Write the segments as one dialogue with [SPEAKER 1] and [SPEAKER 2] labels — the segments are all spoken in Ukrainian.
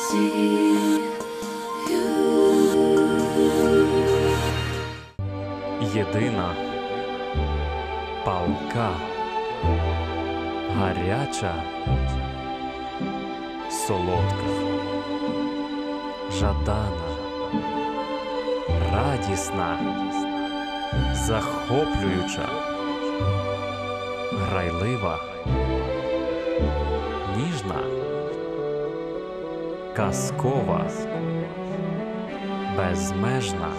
[SPEAKER 1] Єдина, палка, гаряча, солодка, жадана, радісна, захоплююча, грайлива, ніжна, казкова, безмежна,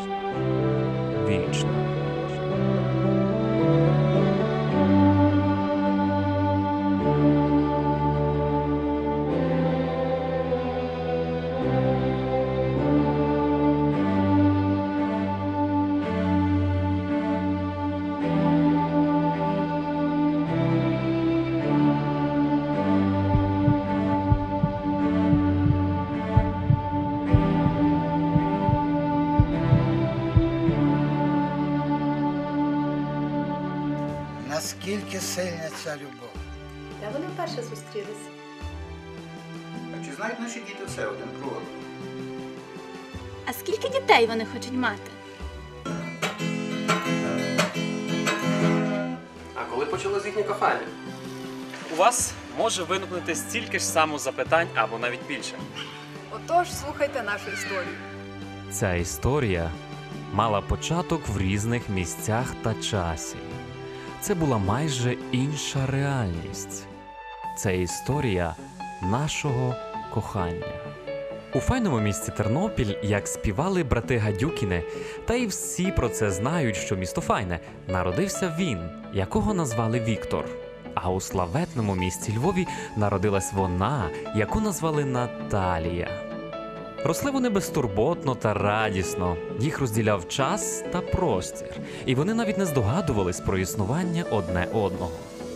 [SPEAKER 1] вічна.
[SPEAKER 2] Наскільки сильна ця любов?
[SPEAKER 3] Та вони вперше зустрілися.
[SPEAKER 4] А чи знають наші діти все один про одного?
[SPEAKER 3] А скільки дітей вони хочуть мати?
[SPEAKER 5] А коли почалось їхнє кохання?
[SPEAKER 1] У вас може виникнути стільки ж само запитань або навіть більше.
[SPEAKER 6] Отож, слухайте нашу історію.
[SPEAKER 1] Ця історія мала початок в різних місцях та часі. Це була майже інша реальність. Це історія нашого кохання. У файному місті Тернопіль, як співали брати Гадюкіни, та й всі про це знають, що місто файне, народився він, якого назвали Віктор. А у славетному місті Львові народилась вона, яку назвали Наталія. Росли вони безтурботно та радісно, їх розділяв час та простір, і вони навіть не здогадувались про існування одне одного.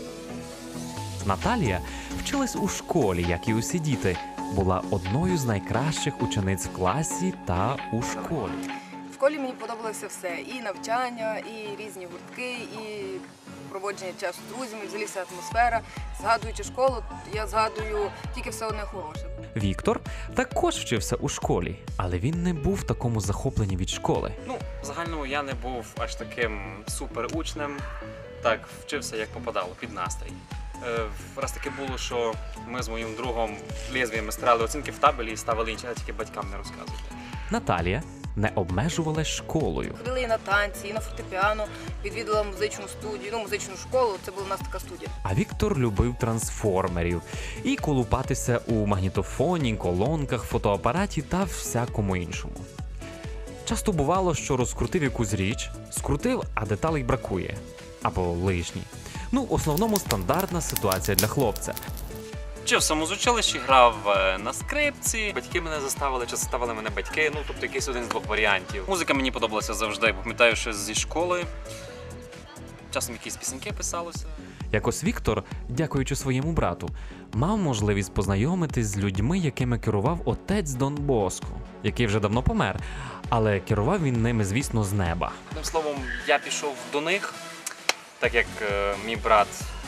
[SPEAKER 1] Наталія вчилась у школі, як і усі діти, була одною з найкращих учениць в класі та у школі.
[SPEAKER 6] В школі мені подобалося все. І навчання, і різні гуртки, і проводження часу з друзями, взагалі вся атмосфера. Згадуючи школу, я згадую тільки все одне хороше.
[SPEAKER 1] Віктор також вчився у школі, але він не був в такому захопленні від школи.
[SPEAKER 5] В загальному я не був аж таким суперучнем, так вчився як попадало, під настрій. Раз таки було, що ми з моїм другом лезвіями стирали оцінки в табелі і ставили інші, а тільки батькам не розказувати.
[SPEAKER 1] Наталія не обмежувалась школою.
[SPEAKER 6] Ходили і на танці, і на фортепіано, відвідала музичну студію, музичну школу, це була у нас така студія.
[SPEAKER 1] А Віктор любив трансформерів і колупатися у магнітофоні, колонках, фотоапараті та всякому іншому. Часто бувало, що розкрутив якусь річ, скрутив, а деталей бракує. Або лишні. В основному стандартна ситуація для хлопця.
[SPEAKER 5] Вчився в музучилищі, грав на скрипці. Батьки мене заставили, чи заставили мене батьки, тобто якийсь один з двох варіантів. Музика мені подобалася завжди, пам'ятаю, що зі школи. Часом якісь пісеньки писалося.
[SPEAKER 1] Якось Віктор, дякуючи своєму брату, мав можливість познайомитись з людьми, якими керував отець Дон Боско, який вже давно помер, але керував він ними, звісно, з неба.
[SPEAKER 5] Одним словом, я пішов до них, так як мій брат.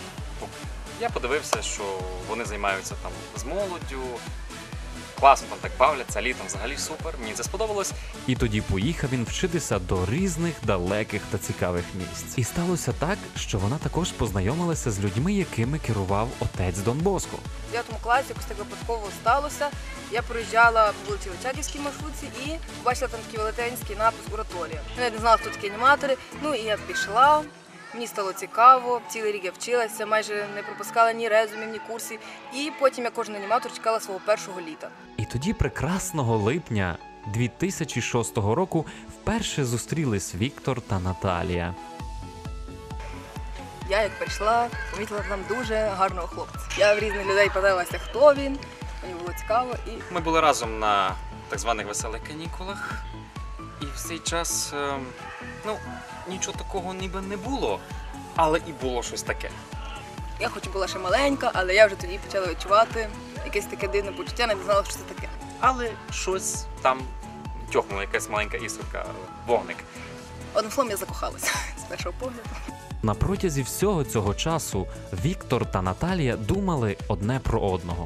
[SPEAKER 5] Я подивився, що вони займаються там з молоддю, класно там так бавляться, літом взагалі супер, мені це сподобалось.
[SPEAKER 1] І тоді поїхав він вчитися до різних далеких та цікавих місць. І сталося так, що вона також познайомилася з людьми, якими керував отець Дон Боско.
[SPEAKER 6] В 9 класі якось так випадково сталося. Я проїжджала по вулиці Очаківській маршрутці і побачила там такий велетенський напис «Ораторія». Я не знала, хто такі аніматори, і я пішла. Мені стало цікаво, цілий рік я вчилася, майже не пропускала ні резумів, ні курсів. І потім я кожен аніматор чекала свого першого літа.
[SPEAKER 1] І тоді прекрасного липня 2006 року вперше зустрілись Віктор та Наталія.
[SPEAKER 6] Я як прийшла, помітила там дуже гарного хлопця. Я в різних людей питалася, хто він, мені було цікаво.
[SPEAKER 5] Ми були разом на так званих веселих канікулах. І в цей час, нічого такого ніби не було, але і було щось таке.
[SPEAKER 6] Я хоч була ще маленька, але я вже тоді почала відчувати якесь таке дивне почуття, не знала, що це таке.
[SPEAKER 5] Але щось там тьохнуло, якась маленька іскорка, вогник.
[SPEAKER 6] Одним словом, я закохалася з першого погляду.
[SPEAKER 1] На протязі всього цього часу Віктор та Наталія думали одне про одного.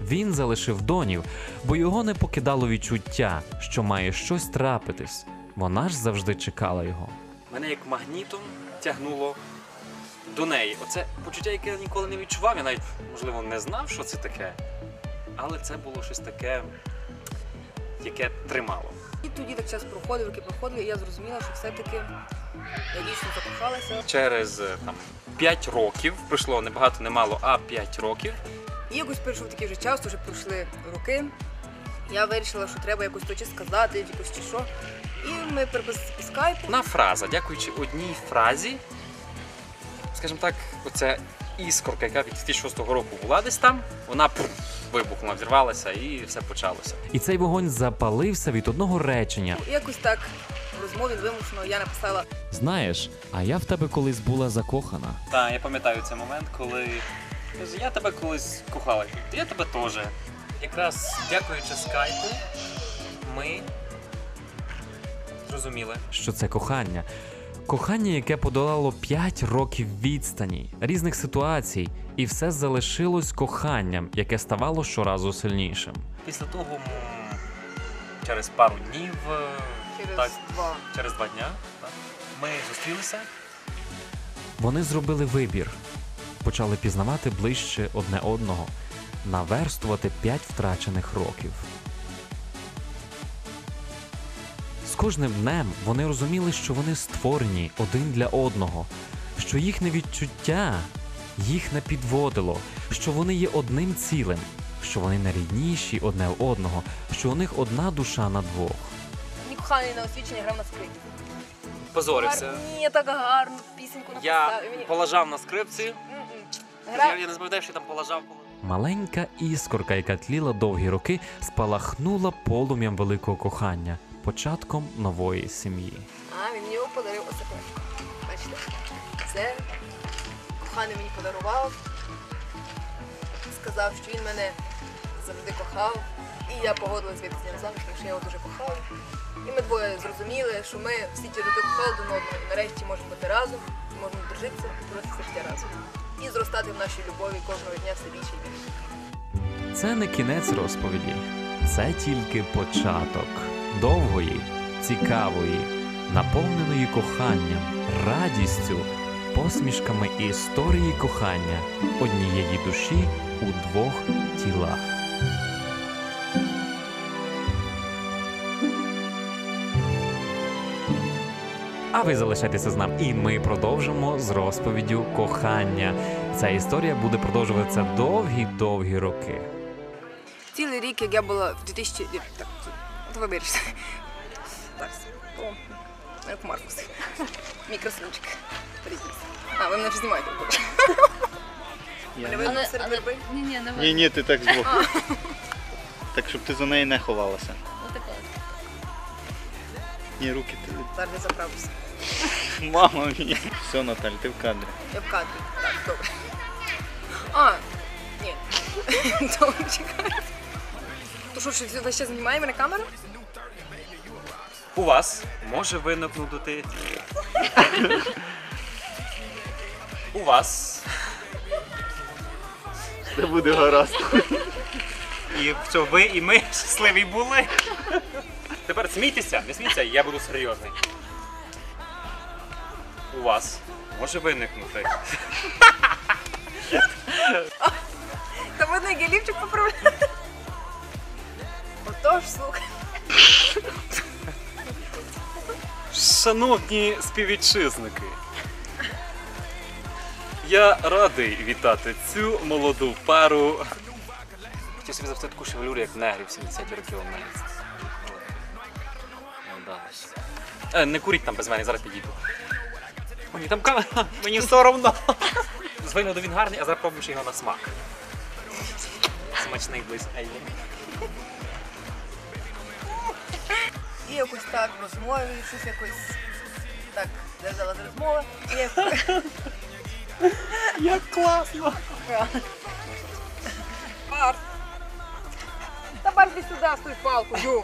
[SPEAKER 1] Він залишив Донів, бо його не покидало відчуття, що має щось трапитись. Вона ж завжди чекала його.
[SPEAKER 5] Мене як магнітом тягнуло до неї. Оце почуття, яке я ніколи не відчував. Я навіть, можливо, не знав, що це таке. Але це було щось таке, яке тримало.
[SPEAKER 6] І тоді так час проходив, роки проходили, і я зрозуміла, що все-таки я дійсно закохалася.
[SPEAKER 5] Через 5 років, пройшло не багато, не мало, а 5 років.
[SPEAKER 6] І якось прийшов такий вже час, вже пройшли роки. Я вирішила, що треба якось то чи сказати, якось чи що. І ми переписалися по скайпу.
[SPEAKER 5] Одна фраза, дякуючи одній фразі, скажімо так, оця іскорка, яка від 2006 року була десь там, вона вибухнула, взірвалася і все почалося.
[SPEAKER 1] І цей вогонь запалився від одного речення.
[SPEAKER 6] І якось так в розмові вимушено я написала:
[SPEAKER 1] Знаєш, а я в тебе колись була закохана.
[SPEAKER 5] Так, я пам'ятаю цей момент, коли я тебе колись кохала, я тебе теж. Якраз дякуючи скайпу, ми зрозуміли.
[SPEAKER 1] Що це кохання. Кохання, яке подолало 5 років відстані, різних ситуацій, і все залишилось коханням, яке ставало щоразу сильнішим.
[SPEAKER 5] Після того через пару днів, через 2 дня, так, ми зустрілися.
[SPEAKER 1] Вони зробили вибір, почали пізнавати ближче одне одного, наверстувати 5 втрачених років. З кожним днем вони розуміли, що вони створені один для одного, що їхнє відчуття їх не підводило, що вони є одним цілим, що вони найрідніші одне в одного, що у них одна душа на двох.
[SPEAKER 6] Мій коханий на освічення грав на скрипці.
[SPEAKER 5] Позорився.
[SPEAKER 6] Ні, так гарно, пісеньку написав.
[SPEAKER 5] Я полажав на скрипці.
[SPEAKER 6] Грав.
[SPEAKER 5] Я не пам'ятаю, що я там полажав.
[SPEAKER 1] Маленька іскорка, яка тліла довгі роки, спалахнула полум'ям великого кохання, початком нової сім'ї.
[SPEAKER 6] А, він мені його подарив ось таке. Бачите? Це коханий мені подарував. Сказав, що він мене завжди кохав. І я погодилась вийти з ним заміж, тому що я його дуже кохала. І ми двоє зрозуміли, що ми всі ті роки кохали один одного. І нарешті можемо бути разом, можемо дружитися і боротися життя разом. І зростати в нашій любові кожного дня все більше і більше.
[SPEAKER 1] Це не кінець розповіді, це тільки початок довгої, цікавої, наповненої коханням, радістю, посмішками історії кохання однієї душі у 2 тілах. А ви залишайтеся з нами, і ми продовжимо з розповіддю кохання. Ця історія буде продовжуватися довгі-довгі роки.
[SPEAKER 6] Цілий рік, як я була в 2000... Так, то ви вирішите. Так, о, мене Маркус. Мій красунчик. Придіть. А, ви мене вже знімаєте. Не видно серед верби?
[SPEAKER 7] Ні, ти так збоку. Так, щоб ти за неї не ховалася.
[SPEAKER 6] Отако.
[SPEAKER 7] Ні, руки ти.
[SPEAKER 6] Зараз я заправлюся.
[SPEAKER 7] Мама мія. Все, Наталь, ти в кадрі.
[SPEAKER 6] Я в кадрі. Так, добре. А, ні. Добре, чекай. То що, весь час знімає мене камера?
[SPEAKER 5] У вас може виникнути... У вас...
[SPEAKER 7] Це буде гаразд.
[SPEAKER 5] І що ви і ми щасливі були. Тепер смійтеся, не смійтеся, я буду серйозний. У вас може виникнути...
[SPEAKER 6] Та видно, як я лівчик поправляю. Отож, слухай.
[SPEAKER 5] Шановні співвітчизники, я радий вітати цю молоду пару. Хотів собі завжди таку шевелюру, як негрів 70-ті років у мене. Не вдалося. Не куріть там без мене, зараз підійду. Мені там камера, мені соромно. З вигляду він гарний, а зараз пробуєш його на смак. Смачний близь.
[SPEAKER 6] І якось так в розмові, щось якось так держала з розмови.
[SPEAKER 5] Як класно!
[SPEAKER 6] Барт! Та Барт, іди сюди, з тою палкою!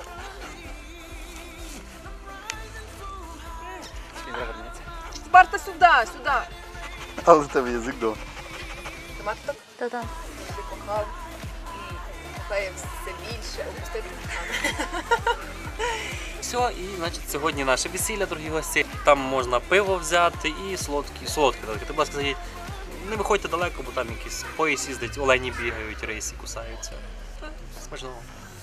[SPEAKER 6] Барта сюди, сюди!
[SPEAKER 7] Але в тебе язик до.
[SPEAKER 6] Ти мати так?
[SPEAKER 3] Та-та.
[SPEAKER 6] Ти кохав. стає все більше, опустити.
[SPEAKER 5] Все, і значить сьогодні наше весілля, дорогі гості. Там можна пиво взяти і солодкі. Ти, будь ласка, скажіть, не виходьте далеко, бо там якийсь поїзд їздить, олені бігають, рейси кусаються. Смачного.